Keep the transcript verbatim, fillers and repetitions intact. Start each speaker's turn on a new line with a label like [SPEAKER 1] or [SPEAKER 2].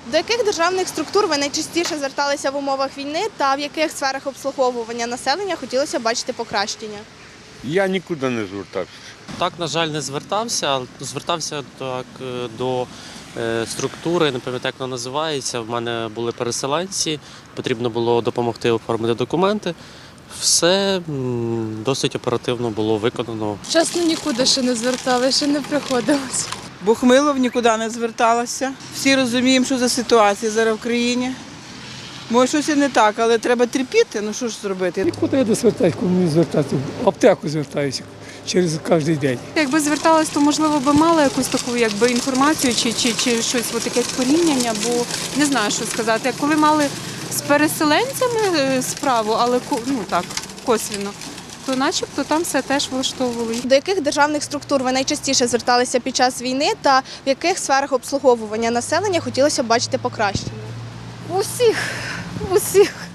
[SPEAKER 1] До яких державних структур ви найчастіше зверталися в умовах війни та в яких сферах обслуговування населення хотілося бачити покращення?
[SPEAKER 2] Я нікуди не звертався.
[SPEAKER 3] Так, на жаль, не звертався, але звертався так до е, структури, не пам'ятаю, як вона називається. В мене були переселенці, потрібно було допомогти оформити документи. Все м, досить оперативно було виконано.
[SPEAKER 4] Чесно, нікуди ще не звертали, ще не приходилось.
[SPEAKER 5] Бухмилов нікуди не зверталася. Всі розуміємо, що за ситуація зараз в країні. Може, щось і не так, але треба терпіти, ну що ж зробити.
[SPEAKER 6] Нікуди я не звертаюся, кому мені звертатися. В аптеку звертаюся через кожен день.
[SPEAKER 4] Якби зверталась, то можливо би мала якусь таку якби інформацію чи, чи, чи щось от якесь порівняння, бо не знаю, що сказати. Коли мали з переселенцями е, справу, але ко- ну так, косвіно, то начебто там все теж влаштовували.
[SPEAKER 1] До яких державних структур ви найчастіше зверталися під час війни та в яких сферах обслуговування населення хотілося бачити покращення?
[SPEAKER 7] Усіх, усіх.